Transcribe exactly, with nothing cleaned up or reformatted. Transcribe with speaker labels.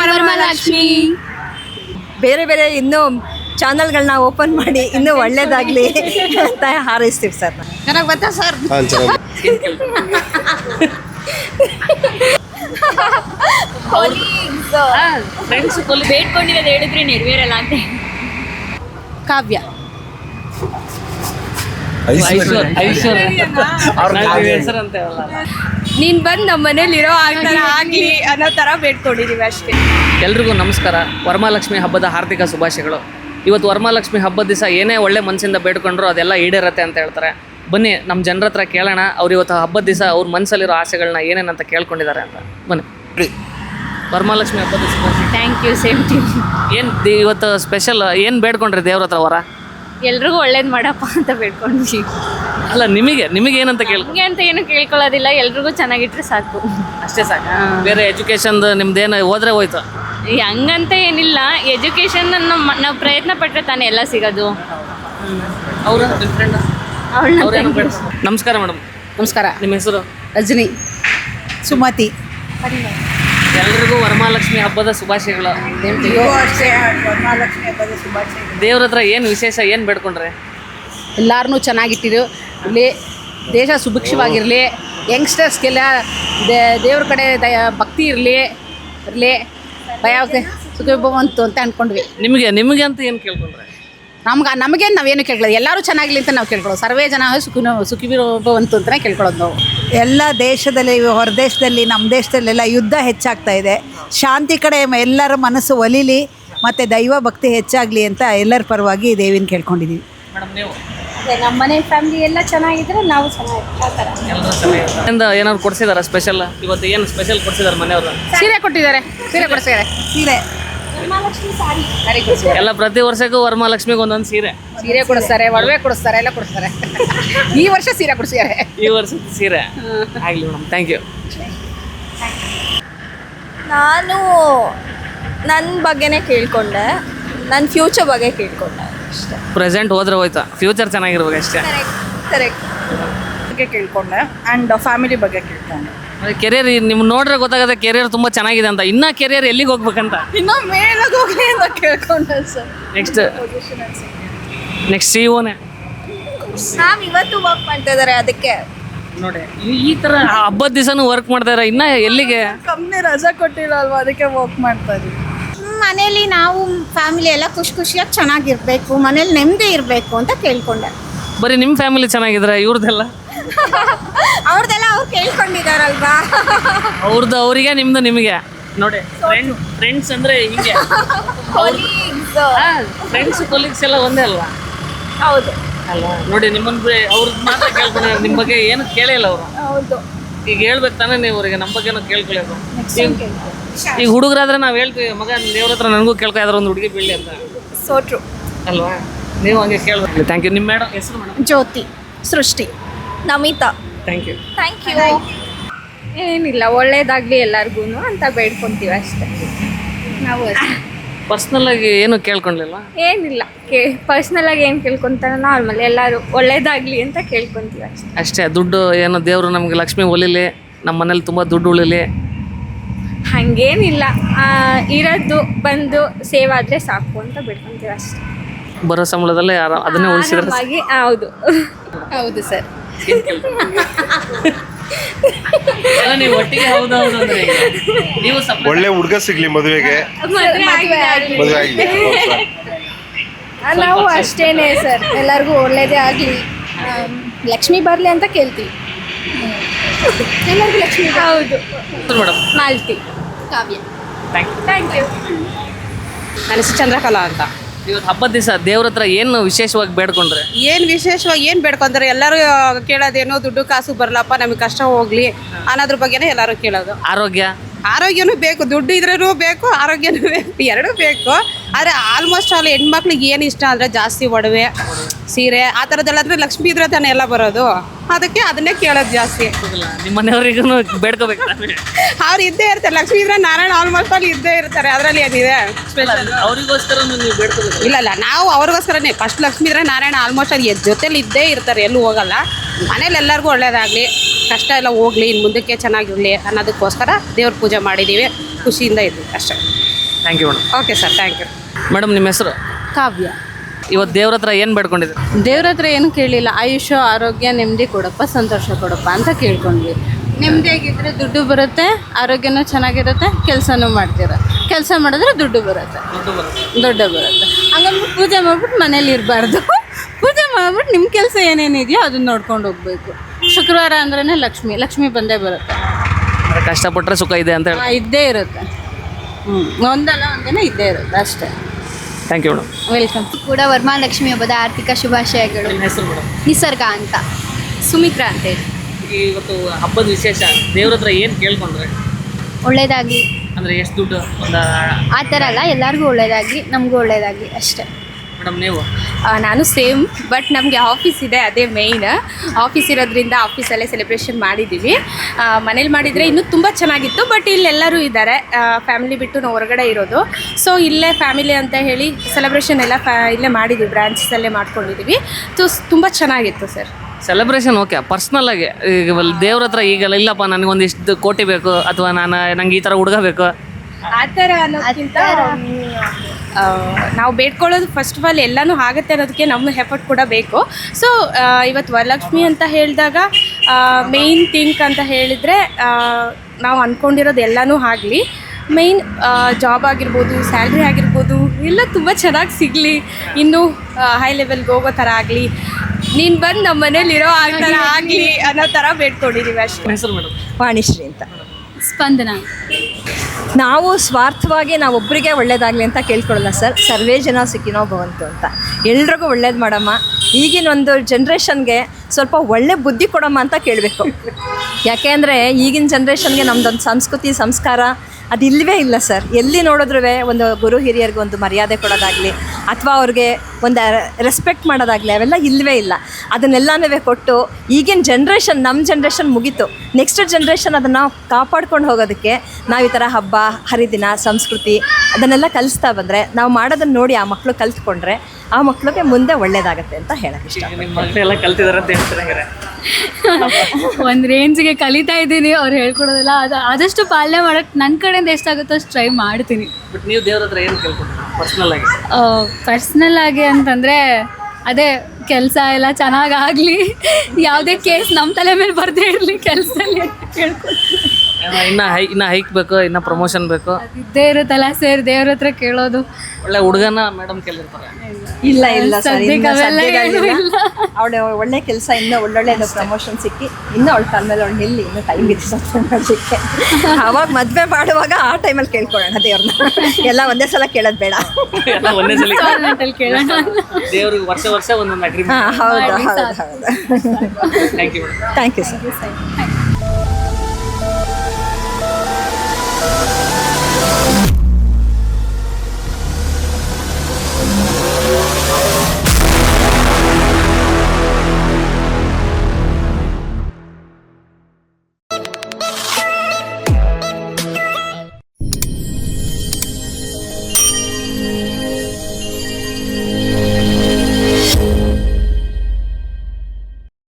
Speaker 1: ವರಮಹಾಲಕ್ಷ್ಮಿ.
Speaker 2: ಬೇರೆ ಬೇರೆ ಇನ್ನೂ ಚಾನಲ್ಗಳನ್ನ ಓಪನ್ ಮಾಡಿ ಇನ್ನೂ ಒಳ್ಳೇದಾಗಲಿ ಅಂತ ಹಾರೈಸ್ತೀವಿ ಸರ್.
Speaker 1: ಚೆನ್ನಾಗಿ ಬರ್ತಾ ಸರ್.
Speaker 3: ಫ್ರೆಂಡ್ಸ್ ಬೇಡ್ಕೊಂಡಿರೋದು ಹೇಳಿದ್ರೆ ನೆರವೇರಲ್ಲ ಅಂತ.
Speaker 1: ಕಾವ್ಯ.
Speaker 2: ನೀನು ಬಂದು ನಮ್ಮ ಮನೇಲಿರೋ ಥರ ಆಗಲಿ ಅನ್ನೋ ಥರ ಬೇಡ್ಕೊಂಡಿದ್ದೀವಿ ಅಷ್ಟೇ.
Speaker 4: ಎಲ್ರಿಗೂ ನಮಸ್ಕಾರ. ವರಮಹಾಲಕ್ಷ್ಮಿ ಹಬ್ಬದ ಹಾರ್ದಿಕ ಶುಭಾಶಯಗಳು. ಇವತ್ತು ವರಮಹಾಲಕ್ಷ್ಮಿ ಹಬ್ಬದ ದಿವಸ ಏನೇ ಒಳ್ಳೆ ಮನಸ್ಸಿಂದ ಬೇಡ್ಕೊಂಡ್ರು ಅದೆಲ್ಲ ಈಡೇರತ್ತೆ ಅಂತ ಹೇಳ್ತಾರೆ. ಬನ್ನಿ ನಮ್ಮ ಜನರ ಹತ್ರ ಕೇಳೋಣ, ಅವ್ರು ಇವತ್ತು ಹಬ್ಬದ ದಿವಸ ಅವ್ರ ಮನಸ್ಸಲ್ಲಿರೋ ಆಸೆಗಳನ್ನ ಏನೇನಂತ ಕೇಳ್ಕೊಂಡಿದ್ದಾರೆ ಅಂತ. ಬನ್ನಿ. ವರಮಹಾಲಕ್ಷ್ಮಿ ಹಬ್ಬದ ಶುಭಾಶಯ.
Speaker 3: Thank you. Same to you.
Speaker 4: ಏನು ಇವತ್ತು ಸ್ಪೆಷಲ್ ಏನು ಬೇಡ್ಕೊಂಡ್ರಿ ದೇವ್ರ ಹತ್ರ? ವರ
Speaker 3: ಎಲ್ರಿಗೂ ಒಳ್ಳೇದು ಮಾಡಪ್ಪ ಅಂತ ಬೇಡ್ಕೊಂಡ್ವಿ.
Speaker 4: ಅಲ್ಲ, ನಿಮಗೆ ನಿಮಗೆ ಏನಂತ ಕೇಳ
Speaker 3: ಹಂಗೆ ಅಂತ ಏನು ಕೇಳ್ಕೊಳ್ಳೋದಿಲ್ಲ, ಎಲ್ರಿಗೂ ಚೆನ್ನಾಗಿಟ್ರೆ ಸಾಕು,
Speaker 4: ಅಷ್ಟೇ ಸಾಕು. ಬೇರೆ ಎಜುಕೇಶನ್ ನಿಮ್ದೇನು ಹೋದ್ರೆ ಹೋಯ್ತು
Speaker 3: ಹಂಗಂತ ಏನಿಲ್ಲ. ಎಜುಕೇಷನ್ ನಾವು ಪ್ರಯತ್ನ ಪಟ್ಟರೆ ತಾನೇ ಎಲ್ಲ ಸಿಗೋದು.
Speaker 4: ಅವರು ನಿಮ್ಮ ಫ್ರೆಂಡ್ ಅವ್ರೇನು ಬೇಡ. ನಮಸ್ಕಾರ ಮೇಡಮ್.
Speaker 1: ನಮಸ್ಕಾರ.
Speaker 4: ನಿಮ್ಮ ಹೆಸರು?
Speaker 1: ರಜನಿ. ಸುಮತಿ.
Speaker 4: ಎಲ್ರಿಗೂ ವರಮಹಾಲಕ್ಷ್ಮಿ ಹಬ್ಬದ ಶುಭಾಶಯಗಳು.
Speaker 2: ವರಮಹಾಲಕ್ಷ್ಮಿ ಹಬ್ಬದ ಶುಭಾಶಯಗಳು.
Speaker 4: ದೇವ್ರ ಹತ್ರ ಏನು ವಿಶೇಷ, ಏನು ಬೇಡ್ಕೊಂಡ್ರೆ?
Speaker 1: ಎಲ್ಲಾರನ್ನೂ ಚೆನ್ನಾಗಿಟ್ಟಿರು ಇಲ್ಲಿ, ದೇಶ ಸುಭಿಕ್ಷವಾಗಿರಲಿ, ಯಂಗ್ಸ್ಟರ್ಸ್ಗೆಲ್ಲ ದೇವ್ರ ಕಡೆ ದಯ ಭಕ್ತಿ ಇರಲಿ ಇರಲಿ, ಭಯ ಸುಖಭವಂತು ಅಂತ ಅಂದ್ಕೊಂಡ್ವಿ.
Speaker 4: ನಿಮಗೆ ನಿಮಗೆ ಅಂತ ಏನು ಕೇಳ್ಕೊಂಡ್ರೆ?
Speaker 1: ನಮ್ಗೆ ನಮಗೇನು ನಾವೇನು ಕೇಳ್ಕೊಳ್ಳೋದು, ಎಲ್ಲರೂ ಚೆನ್ನಾಗಿರಲಿ ಅಂತ ನಾವು ಕೇಳ್ಕೊಳ್ಳೋದು. ಸರ್ವೇ ಜನ ಸುಖಿನೋ ಸುಖಿಭವಂತು ಅಂತಲೇ ಕೇಳ್ಕೊಳ್ಳೋದು ನಾವು.
Speaker 2: ಎಲ್ಲ ದೇಶದಲ್ಲಿ, ಹೊರ ದೇಶದಲ್ಲಿ, ನಮ್ಮ ದೇಶದಲ್ಲೆಲ್ಲ ಯುದ್ಧ ಹೆಚ್ಚಾಗ್ತಾ ಇದೆ. ಶಾಂತಿ ಕಡೆ ಎಲ್ಲರ ಮನಸ್ಸು ಒಲಿಲಿ ಮತ್ತು ದೈವ ಭಕ್ತಿ ಹೆಚ್ಚಾಗಲಿ ಅಂತ ಎಲ್ಲರ ಪರವಾಗಿ ದೇವಿನ ಕೇಳ್ಕೊಂಡಿದ್ದೀವಿ.
Speaker 4: ಮೇಡಮ್ ನೀವು?
Speaker 3: ನಮ್ಮ ಮನೆ ಫ್ಯಾಮಿಲಿ ಎಲ್ಲ ಚೆನ್ನಾಗಿದ್ರೆ ನಾವು ಚೆನ್ನಾಗಿ.
Speaker 4: ಏನಾದ್ರು ಕೊಡ್ಸಿದಾರ ಸ್ಪೆಷಲ್? ಇವತ್ತು ಏನು ಸ್ಪೆಷಲ್ ಕೊಡ್ಸಿದಾರೆ ಮನೆಯವರು?
Speaker 1: ಸೀರೆ ಕೊಟ್ಟಿದ್ದಾರೆ. ಸೀರೆ ಕೊಡಿಸಿದ್ದಾರೆ. ಸೀರೆ
Speaker 4: ಎಲ್ಲ ಪ್ರತಿ ವರ್ಷಕ್ಕೂ ವರಮಹಾಲಕ್ಷ್ಮಿಗೆ ಒಂದೊಂದು ಸೀರೆ
Speaker 1: ಸೀರೆ ಕೊಡಿಸ್ತಾರೆ, ಒಡವೆ ಕೊಡಿಸ್ತಾರೆ, ಎಲ್ಲ ಕೊಡಿಸ್ತಾರೆ. ಈ ವರ್ಷ ಸೀರೆ ಕೊಡಿಸಿದ್ದಾರೆ.
Speaker 4: ಈ ವರ್ಷ ಸೀರೆ ಆಗಲಿ ಮೇಡಮ್. Thank you.
Speaker 5: ನಾನು ನನ್ನ ಬಗ್ಗೆನೇ ಕೇಳ್ಕೊಂಡೆ, ನನ್ನ ಫ್ಯೂಚರ್ ಬಗ್ಗೆ ಕೇಳ್ಕೊಂಡೆ ಅಷ್ಟೇ.
Speaker 4: ಪ್ರೆಸೆಂಟ್ ಹೋದ್ರೆ ಹೋಯ್ತಾ, ಫ್ಯೂಚರ್ ಚೆನ್ನಾಗಿರ್ಬೇಕು ಅಷ್ಟೇ.
Speaker 5: ಕರೆಕ್ಟ್.
Speaker 2: ಬಗ್ಗೆ ಕೇಳ್ಕೊಂಡೆ ಆ್ಯಂಡ್ ಫ್ಯಾಮಿಲಿ ಬಗ್ಗೆ ಕೇಳ್ಕೊಂಡೆ.
Speaker 4: ಕೆರಿಯರ್ ನಿಮ್ಮ ನೋಡ್ರೆ ಗೊತ್ತಾಗುತ್ತೆ ಕೆರಿಯರ್ ತುಂಬ ಚೆನ್ನಾಗಿದೆ ಅಂತ. ಇನ್ನೂ ಕೆರಿಯರ್ ಎಲ್ಲಿಗೆ ಹೋಗ್ಬೇಕಂತ?
Speaker 2: ಇನ್ನೂ ಮೇಲಾಗಿ ಹೋಗ್ಲಿ ಅಂತ ಕೇಳ್ಕೊಂಡೆ ಸರ್.
Speaker 4: ನೆಕ್ಸ್ಟ್ ನೆಕ್ಸ್ಟ್ ಸಿ ಓನೇ
Speaker 5: ನಾವು ಇವತ್ತು ವರ್ಕ್ ಮಾಡ್ತಾ ಇದ್ದಾರೆ, ಅದಕ್ಕೆ
Speaker 4: ನೋಡಿ ಈ ಥರ ಹಬ್ಬದ ದಿವಸನೂ ವರ್ಕ್ ಮಾಡ್ತಾರೆ. ಇನ್ನು ಎಲ್ಲಿಗೆ?
Speaker 2: ಕಂಪ್ನಿ ರಜಾ ಕೊಟ್ಟಿಲ್ಲ ಅಲ್ವಾ, ಅದಕ್ಕೆ ವರ್ಕ್ ಮಾಡ್ತಾ ಇದ್ದೀವಿ.
Speaker 6: ಮನೇಲಿ ನಾವು ಫ್ಯಾಮಿಲಿ ಎಲ್ಲ ಖುಷಿ ಖುಷಿಯಾಗಿ ಚೆನ್ನಾಗಿರ್ಬೇಕು, ಮನೇಲಿ ನೆಮ್ಮದಿ ಇರಬೇಕು ಅಂತ ಕೇಳ್ಕೊಂಡೆ.
Speaker 4: ಬರೀ ನಿಮ್ಮ ಫ್ಯಾಮಿಲಿ ಚೆನ್ನಾಗಿದ್ರೆ ಇವ್ರದ್ದೆಲ್ಲ
Speaker 6: ಅವ್ರದ್ದೆಲ್ಲ ಅವ್ರು ಕೇಳ್ಕೊಂಡಿದಾರಲ್ವಾ.
Speaker 4: ಅವ್ರದ್ದು ಅವರಿಗೆ, ನಿಮ್ದು ನಿಮಗೆ. ನೋಡಿ ಫ್ರೆಂಡ್ಸ್ ಅಂದರೆ ಹಿಂಗೆ, ಫ್ರೆಂಡ್ಸ್ ಕೊಲೀಗ್ಸ್ ಎಲ್ಲ ಒಂದೇ ಅಲ್ವಾ?
Speaker 5: ಹೌದು.
Speaker 4: ಅಲ್ಲ ನೋಡಿ, ನಿಮ್ಮನ್ನು ಅವ್ರದ್ದು ಮಾತ್ರ ಕೇಳ್ಕೊಂಡ್ರೆ ನಿಮ್ಮ ಬಗ್ಗೆ ಏನು ಕೇಳಿಲ್ಲ ಅವರು.
Speaker 5: ಹೌದು.
Speaker 4: ಈಗ ಹೇಳ್ಬೇಕು ತಾನೇ ನೀವು ಅವ್ರಿಗೆ, ನಮ್ಮ ಬಗ್ಗೆನೂ ಕೇಳ್ಕೊಳ್ಳೋದು. ಈಗ ಹುಡುಗರಾದ್ರೆ ನಾವು ಹೇಳ್ತೀವಿ, ಮಗ ದೇವ್ರ ಹತ್ರ ನನಗೂ ಕೇಳ್ಕೊ ಯಾವ್ದಾರು ಒಂದು ಹುಡುಗಿ ಬೀಳಿ ಅಂತ.
Speaker 5: ಸೋಟ್ರು
Speaker 4: ಅಲ್ವಾ? ನೀವು ಹಂಗೆ ಕೇಳ್ಬೇಕು. Thank you. ನಿಮ್ಮ ಮೇಡಮ್ ಹೆಸರು? Madam
Speaker 6: Jyoti. Srishti.
Speaker 5: Namita.
Speaker 4: Thank you.
Speaker 5: Thank you.
Speaker 3: ಏನಿಲ್ಲ, ಒಳ್ಳೇದಾಗಲಿ ಎಲ್ಲರಿಗೂ ಅಂತ ಬೇಡ್ಕೊತೀವಿ ಅಷ್ಟೇ. ನಾವು
Speaker 4: ಪರ್ಸ್ನಲ್ ಆಗಿ ಏನು ಕೇಳ್ಕೊಂಡಿಲ್ಲ?
Speaker 3: ಏನಿಲ್ಲ, ಕೇ ಪರ್ಸ್ನಲ್ ಆಗಿ ಏನು ಕೇಳ್ಕೊತಾರೆ, ನಾರ್ಮಲ್ ಎಲ್ಲರೂ ಒಳ್ಳೇದಾಗಲಿ ಅಂತ ಕೇಳ್ಕೊತೀವಿ ಅಷ್ಟೇ.
Speaker 4: ಅಷ್ಟೇ. ದುಡ್ಡು ಏನು ದೇವರು ನಮಗೆ ಲಕ್ಷ್ಮಿ ಒಲಿಲಿ, ನಮ್ಮ ಮನೇಲಿ ತುಂಬ ದುಡ್ಡು ಉಳಿಲಿ,
Speaker 3: ಹಾಗೇನಿಲ್ಲ. ಇರೋದು ಬಂದು ಸೇವ್ ಆದರೆ ಸಾಕು ಅಂತ ಬೇಡ್ಕೊತೀವಿ ಅಷ್ಟೇ.
Speaker 4: ಬರೋ ಸಂಬಳದಲ್ಲೇ ಆರಾಮ ಅದನ್ನೇ ಉಳಿಸಿದ್ರೆ.
Speaker 3: ಆರಾಮಾಗಿ. ಹೌದು
Speaker 1: ಹೌದು ಸರ್.
Speaker 4: ನೀವು ಒಟ್ಟಿಗೆ ಹೌದು ಹೌದು ಅಂದ್ರೆ ನೀವು
Speaker 7: ಒಳ್ಳೆ ಹುಡುಗ ಸಿಗ್ಲಿ ಮದುವೆಗೆ.
Speaker 3: ಮದುವೆ
Speaker 7: ಮದುವೆ
Speaker 6: ನಾವು ಅಷ್ಟೇನೆ ಸರ್, ಎಲ್ಲರಿಗೂ ಒಳ್ಳೇದೇ ಆಗಲಿ, ಲಕ್ಷ್ಮಿ ಬರಲಿ ಅಂತ ಕೇಳ್ತೀವಿ. ಎಲ್ಲರಿಗೂ ಲಕ್ಷ್ಮಿ.
Speaker 3: ಹೌದು.
Speaker 4: Madam
Speaker 3: Malti.
Speaker 6: Kavya.
Speaker 4: Thank you.
Speaker 3: Thank you.
Speaker 1: ನನ್ನ ಹೆಸರು ಚಂದ್ರಕಲಾ ಅಂತ.
Speaker 4: ಇವತ್ತು ಹಬ್ಬದ ದಿವಸ ದೇವ್ರ ಹತ್ರ ಏನು ವಿಶೇಷವಾಗಿ ಬೇಡ್ಕೊಂಡ್ರೆ?
Speaker 1: ಏನು ವಿಶೇಷವಾಗಿ ಏನು ಬೇಡ್ಕೊಂತಾರೆ, ಎಲ್ಲರೂ ಕೇಳೋದೇನೋ ದುಡ್ಡು ಕಾಸು ಬರಲಪ್ಪ, ನಮಗೆ ಕಷ್ಟ ಹೋಗ್ಲಿ ಅನ್ನೋದ್ರ ಬಗ್ಗೆನೇ ಎಲ್ಲರೂ ಕೇಳೋದು.
Speaker 4: ಆರೋಗ್ಯ
Speaker 1: ಆರೋಗ್ಯನೂ ಬೇಕು, ದುಡ್ಡು ಇದ್ರೂ ಬೇಕು, ಆರೋಗ್ಯನೂ ಬೇಕು, ಎರಡೂ ಬೇಕು. ಆದರೆ ಆಲ್ಮೋಸ್ಟ್ ಆಲ್ ಹೆಣ್ಮಕ್ಳಿಗೆ ಏನು ಇಷ್ಟ ಅಂದರೆ ಜಾಸ್ತಿ ಒಡವೆ, ಸೀರೆ ಆ ಥರದ್ದೆಲ್ಲ ಅಂದರೆ ಲಕ್ಷ್ಮೀ ಇದ್ರೆ ತಾನೇ ಎಲ್ಲ ಬರೋದು, ಅದಕ್ಕೆ ಅದನ್ನೇ ಕೇಳೋದು ಜಾಸ್ತಿ.
Speaker 4: ನಿಮ್ಮ ಮನೆಯವ್ರಿಗೂ ಬೇಡ್ಕೋಬೇಕು.
Speaker 1: ಅವ್ರು ಇದ್ದೇ ಇರ್ತಾರೆ, ಲಕ್ಷ್ಮೀ ಇದ್ರೆ ನಾರಾಯಣ ಆಲ್ಮೋಸ್ಟ್ ಅಲ್ಲಿ ಇದ್ದೇ ಇರ್ತಾರೆ, ಅದರಲ್ಲಿ ಏನಿದೆ ಸ್ಪೆಷಲ್.
Speaker 4: ಅವರಿಗೋಸ್ಕರ ನೀವು ಬೇಡ್ಕೋಬೇಕು?
Speaker 1: ಇಲ್ಲ ಇಲ್ಲ, ನಾವು ಅವ್ರಿಗೋಸ್ಕರನೇ ಫಸ್ಟ್ ಲಕ್ಷ್ಮೀ ಇದ್ರೆ ನಾರಾಯಣ ಆಲ್ಮೋಸ್ಟ್ ಅಲ್ಲಿ ಜೊತೆಲಿ ಇದ್ದೇ ಇರ್ತಾರೆ, ಎಲ್ಲೂ ಹೋಗಲ್ಲ. ಮನೇಲಿ ಎಲ್ಲರಿಗೂ ಒಳ್ಳೇದಾಗಲಿ, ಕಷ್ಟ ಎಲ್ಲ ಹೋಗ್ಲಿ, ಇನ್ನು ಮುಂದಕ್ಕೆ ಚೆನ್ನಾಗಿರಲಿ ಅನ್ನೋದಕ್ಕೋಸ್ಕರ ದೇವ್ರ ಪೂಜೆ ಮಾಡಿದ್ದೀವಿ, ಖುಷಿಯಿಂದ ಇದ್ದೀವಿ ಅಷ್ಟೇ.
Speaker 4: Thank you madam.
Speaker 1: Okay sir, thank you.
Speaker 4: Madam ನಿಮ್ಮ ಹೆಸರು?
Speaker 8: ಕಾವ್ಯ.
Speaker 4: ಇವತ್ತು ದೇವ್ರ ಹತ್ರ ಏನು ಬೇಡ್ಕೊಂಡಿದ್ದೀರಿ?
Speaker 8: ದೇವ್ರ ಹತ್ರ ಏನು ಕೇಳಿಲ್ಲ, ಆಯುಷ್ಯ ಆರೋಗ್ಯ ನೆಮ್ಮದಿ ಕೊಡಪ್ಪ, ಸಂತೋಷ ಕೊಡಪ್ಪ ಅಂತ ಕೇಳ್ಕೊಂಡ್ವಿ. ನೆಮ್ಮದಿಯಾಗಿದ್ದರೆ ದುಡ್ಡು ಬರುತ್ತೆ, ಆರೋಗ್ಯನೂ ಚೆನ್ನಾಗಿರುತ್ತೆ, ಕೆಲಸನೂ ಮಾಡ್ತೀರ. ಕೆಲಸ ಮಾಡಿದ್ರೆ ದುಡ್ಡು ಬರುತ್ತೆ, ದುಡ್ಡು ಬರುತ್ತೆ. ಹಂಗಂದ್ಬಿಟ್ಟು ಪೂಜೆ ಮಾಡ್ಬಿಟ್ಟು ಮನೇಲಿ ಇರಬಾರ್ದು. ಪೂಜೆ ಮಾಡ್ಬಿಟ್ಟು ನಿಮ್ಮ ಕೆಲಸ ಏನೇನಿದೆಯೋ ಅದನ್ನ ನೋಡ್ಕೊಂಡು ಹೋಗ್ಬೇಕು. ಶುಕ್ರವಾರ ಅಂದ್ರೇ ಲಕ್ಷ್ಮಿ, ಲಕ್ಷ್ಮಿ ಬಂದೇ ಬರುತ್ತೆ.
Speaker 4: ಅಂದರೆ ಕಷ್ಟಪಟ್ಟರೆ ಸುಖ ಇದೆ ಅಂತ ಹೇಳಿ.
Speaker 8: ಆ, ಇದ್ದೇ ಇರುತ್ತೆ. ಹ್ಞೂ, ಒಂದಲ್ಲ ಒಂದಿನ ಇದ್ದೇ ಇರುತ್ತೆ ಅಷ್ಟೇ.
Speaker 4: Thank you madam.
Speaker 8: ವೆಲ್ಕಮ್.
Speaker 5: ಕೂಡ ವರಮಹಾಲಕ್ಷ್ಮಿ ಹಬ್ಬದ ಆರ್ಥಿಕ ಶುಭಾಶಯಗಳು.
Speaker 4: ನಿಮ್ಮ ಹೆಸರು ಮೇಡಮ್?
Speaker 5: ನಿಸರ್ಗ ಅಂತ.
Speaker 8: ಸುಮಿತ್ರಾ ಅಂತ ಹೇಳಿ.
Speaker 4: ಇವತ್ತು ಹಬ್ಬದ ವಿಶೇಷ ದೇವ್ರ ಹತ್ರ ಏನು ಕೇಳ್ಕೊಂಡ್ರೆ?
Speaker 5: ಒಳ್ಳೇದಾಗಲಿ
Speaker 4: ಅಂದರೆ ಎಷ್ಟು ದುಡ್ಡು ಒಂದು?
Speaker 5: ಆ ಥರ ಅಲ್ಲ, ಎಲ್ಲರಿಗೂ ಒಳ್ಳೇದಾಗಲಿ, ನಮಗೂ ಒಳ್ಳೇದಾಗಲಿ ಅಷ್ಟೇ.
Speaker 4: ಮೇಡಮ್ ನೀವು?
Speaker 1: ನಾನು ಸೇಮ್, ಬಟ್ ನಮಗೆ ಆಫೀಸ್ ಇದೆ, ಅದೇ ಮೇಯ್ನ್. ಆಫೀಸ್ ಇರೋದ್ರಿಂದ ಆಫೀಸಲ್ಲೇ ಸೆಲೆಬ್ರೇಷನ್ ಮಾಡಿದ್ದೀವಿ. ಮನೇಲಿ ಮಾಡಿದರೆ ಇನ್ನೂ ತುಂಬ ಚೆನ್ನಾಗಿತ್ತು, ಬಟ್ ಇಲ್ಲೆಲ್ಲರೂ ಇದ್ದಾರೆ, ಫ್ಯಾಮಿಲಿ ಬಿಟ್ಟು ನಾವು ಹೊರಗಡೆ ಇರೋದು. ಸೊ ಇಲ್ಲೇ ಫ್ಯಾಮಿಲಿ ಅಂತ ಹೇಳಿ ಸೆಲೆಬ್ರೇಷನ್ ಎಲ್ಲ ಫ್ಯಾ ಇಲ್ಲೇ ಮಾಡಿದ್ವಿ, ಬ್ರಾಂಚಸಲ್ಲೇ ಮಾಡ್ಕೊಂಡಿದ್ದೀವಿ. ಸೊ ತುಂಬ ಚೆನ್ನಾಗಿತ್ತು ಸರ್.
Speaker 4: ಸೆಲೆಬ್ರೇಷನ್ ಓಕೆ, ಪರ್ಸ್ನಲ್ ಆಗಿ ಈಗ ದೇವ್ರ ಹತ್ರ ಈಗೆಲ್ಲ ಇಲ್ಲಪ್ಪ ನನಗೊಂದಿಷ್ಟು ಕೋಟಿ ಬೇಕು ಅಥವಾ ನಾನು ನಂಗೆ ಈ ಥರ ಹುಡುಗ ಬೇಕು
Speaker 1: ಆ ಥರ ಅನ್ನೋದಕ್ಕಿಂತ ನಾವು ಬೇಡ್ಕೊಳ್ಳೋದು ಫಸ್ಟ್ ಆಫ್ ಆಲ್ ಎಲ್ಲನೂ ಆಗುತ್ತೆ ಅನ್ನೋದಕ್ಕೆ ನಮ್ಮ ಎಫರ್ಟ್ ಕೂಡ ಬೇಕು. ಸೊ ಇವತ್ತು ವರಲಕ್ಷ್ಮಿ ಅಂತ ಹೇಳಿದಾಗ ಮೇಯ್ನ್ ಥಿಂಕ್ ಅಂತ ಹೇಳಿದರೆ ನಾವು ಅಂದ್ಕೊಂಡಿರೋದು ಎಲ್ಲನೂ ಆಗಲಿ. ಮೇಯ್ನ್ ಜಾಬ್ ಆಗಿರ್ಬೋದು, ಸ್ಯಾಲ್ರಿ ಆಗಿರ್ಬೋದು, ಎಲ್ಲ ತುಂಬ ಚೆನ್ನಾಗಿ ಸಿಗಲಿ, ಇನ್ನೂ ಹೈ ಲೆವೆಲ್ಗೆ ಹೋಗೋ ಥರ ಆಗಲಿ, ನೀನು ಬಂದು ನಮ್ಮ ಮನೇಲಿ ಇರೋ ಆ ಥರ ಆಗಲಿ ಅನ್ನೋ ಥರ ಬೇಡ್ಕೊಂಡಿದ್ದೀವಿ ಅಷ್ಟೇ.
Speaker 4: ಹೆಸರು ಮೇಡಮ್?
Speaker 9: ವಾಣಿಶ್ರೀ ಅಂತ.
Speaker 8: ಸ್ಪಂದನ.
Speaker 9: ನಾವು ಸ್ವಾರ್ಥವಾಗಿ ನಾವು ಒಬ್ಬರಿಗೆ ಒಳ್ಳೇದಾಗಲಿ ಅಂತ ಕೇಳ್ಕೊಳ್ಳಲ್ಲ ಸರ್. ಸರ್ವೇ ಜನ ಸುಖಿನೋ ಭವಂತು ಅಂತ. ಎಲ್ರಿಗೂ ಒಳ್ಳೇದು ಮಾಡಮ್ಮ. ಈಗಿನ ಒಂದು ಜನ್ರೇಷನ್ಗೆ ಸ್ವಲ್ಪ ಒಳ್ಳೆ ಬುದ್ಧಿ ಕೊಡಮ್ಮ ಅಂತ ಕೇಳಬೇಕು. ಯಾಕೆ ಅಂದರೆ ಈಗಿನ ಜನ್ರೇಷನ್ಗೆ ನಮ್ಮದೊಂದು ಸಂಸ್ಕೃತಿ ಸಂಸ್ಕಾರ ಅದು ಇಲ್ಲವೇ ಇಲ್ಲ ಸರ್. ಎಲ್ಲಿ ನೋಡಿದ್ರೂ ಒಂದು ಗುರು ಹಿರಿಯರಿಗೆ ಒಂದು ಮರ್ಯಾದೆ ಕೊಡೋದಾಗಲಿ ಅಥವಾ ಅವ್ರಿಗೆ ಒಂದು ರೆಸ್ಪೆಕ್ಟ್ ಮಾಡೋದಾಗಲಿ ಅವೆಲ್ಲ ಇಲ್ಲವೇ ಇಲ್ಲ. ಅದನ್ನೆಲ್ಲನೂ ಕೊಟ್ಟು ಈಗಿನ ಜನ್ರೇಷನ್, ನಮ್ಮ ಜನ್ರೇಷನ್ ಮುಗೀತು, ನೆಕ್ಸ್ಟ್ ಜನ್ರೇಷನ್ ಅದನ್ನು ಕಾಪಾಡ್ಕೊಂಡು ಹೋಗೋದಕ್ಕೆ ನಾವು ಈ ಥರ ಹಬ್ಬ ಹರಿದಿನ ಸಂಸ್ಕೃತಿ ಅದನ್ನೆಲ್ಲ ಕಲಿಸ್ತಾ ಬಂದರೆ, ನಾವು ಮಾಡೋದನ್ನು ನೋಡಿ ಆ ಮಕ್ಕಳು ಕಲ್ತ್ಕೊಂಡ್ರೆ ಆ ಮಕ್ಕಳಿಗೆ ಮುಂದೆ ಒಳ್ಳೇದಾಗತ್ತೆ ಅಂತ ಹೇಳಕ್ಕೆ ಇಷ್ಟ.
Speaker 4: ನಿಮ್ಮ ಮಕ್ಕಳೆಲ್ಲ ಕಲ್ತಿದ್ದಾರೆ ಅಂತ ಹೇಳ್ತಾರೆ?
Speaker 8: ಒಂದು ರೇಂಜ್ಗೆ ಕಲಿತಾ ಇದ್ದೀನಿ, ಅವ್ರು ಹೇಳ್ಕೊಡೋದಿಲ್ಲ. ಅದು ಆದಷ್ಟು ಪಾಲನೆ ಮಾಡೋಕ್ಕೆ ನನ್ನ ಕಡೆಯಿಂದ ಎಷ್ಟಾಗುತ್ತೋ ಅಷ್ಟು ಟ್ರೈ ಮಾಡ್ತೀನಿ.
Speaker 4: ಬಟ್ ನೀವು ದೇವ್ರ ಹತ್ರ ಏನು ಕೇಳ್ಕೊಂಡ್ರಿ ಪರ್ಸ್ನಲ್ ಆಗಿ?
Speaker 8: ಪರ್ಸ್ನಲ್ ಆಗಿ ಅಂತಂದರೆ ಅದೇ ಕೆಲಸ ಎಲ್ಲ ಚೆನ್ನಾಗಾಗಲಿ, ಯಾವುದೇ ಕೇಸ್ ನಮ್ಮ ತಲೆ ಮೇಲೆ ಬರದೇ ಇರಲಿ ಕೆಲಸದಲ್ಲಿ ಕೇಳ್ಕೊಂಡು.
Speaker 4: ಇನ್ನು ಹೈ ಇನ್ನು ಹೈಕ್ ಬೇಕು, ಇನ್ನು ಪ್ರಮೋಷನ್ ಬೇಕು,
Speaker 8: ಇದ್ದೇ ಇರುತ್ತಲ್ಲ ಸರ್ ದೇವ್ರ ಹತ್ರ ಕೇಳೋದು.
Speaker 4: ಒಳ್ಳೆ ಹುಡುಗನ ಮೇಡಮ್ ಕೇಳಿರ್ತಾರೆ?
Speaker 9: ಇಲ್ಲ ಇಲ್ಲ ಸರ್,
Speaker 8: ಸದ್ಯಕ್ಕೆ ಅವೆಲ್ಲ ಏನೂ ಇಲ್ಲ.
Speaker 9: ಅವಳು ಒಳ್ಳೆ ಕೆಲಸ, ಇನ್ನೂ ಒಳ್ಳೊಳ್ಳೆ ಪ್ರಮೋಷನ್ ಸಿಕ್ಕಿ ಇನ್ನೂ ಅವಳು ತನ್ನ ಮೇಲೆ ಅವಳು ನಿಲ್ಲಿ, ಇನ್ನೂ ಟೈಮ್ ಇದೆ ಸತ್ಯ ಮಾಡಲಿಕ್ಕೆ. ಅವಾಗ ಮದುವೆ ಮಾಡುವಾಗ ಆ ಟೈಮಲ್ಲಿ ಕೇಳ್ಕೊಳ್ಳೋಣ ದೇವ್ರನ್ನ, ಎಲ್ಲ ಒಂದೇ ಸಲ ಕೇಳೋದು ಬೇಡ.
Speaker 4: ಎಲ್ಲ ಒಂದೇ ಸಲ
Speaker 8: ಗೌರ್ಮೆಂಟಲ್ಲಿ ಕೇಳೋಣ.
Speaker 4: ದೇವ್ರಿಗೆ ವರ್ಷ ವರ್ಷ ಒಂದೊಂದು
Speaker 9: ಹಾಂ
Speaker 4: ಅಗ್ರಿಮೆಂಟ್.
Speaker 9: ಹೌದು ಹೌದು ಹೌದು.
Speaker 4: Thank you madam.
Speaker 9: Thank you sir.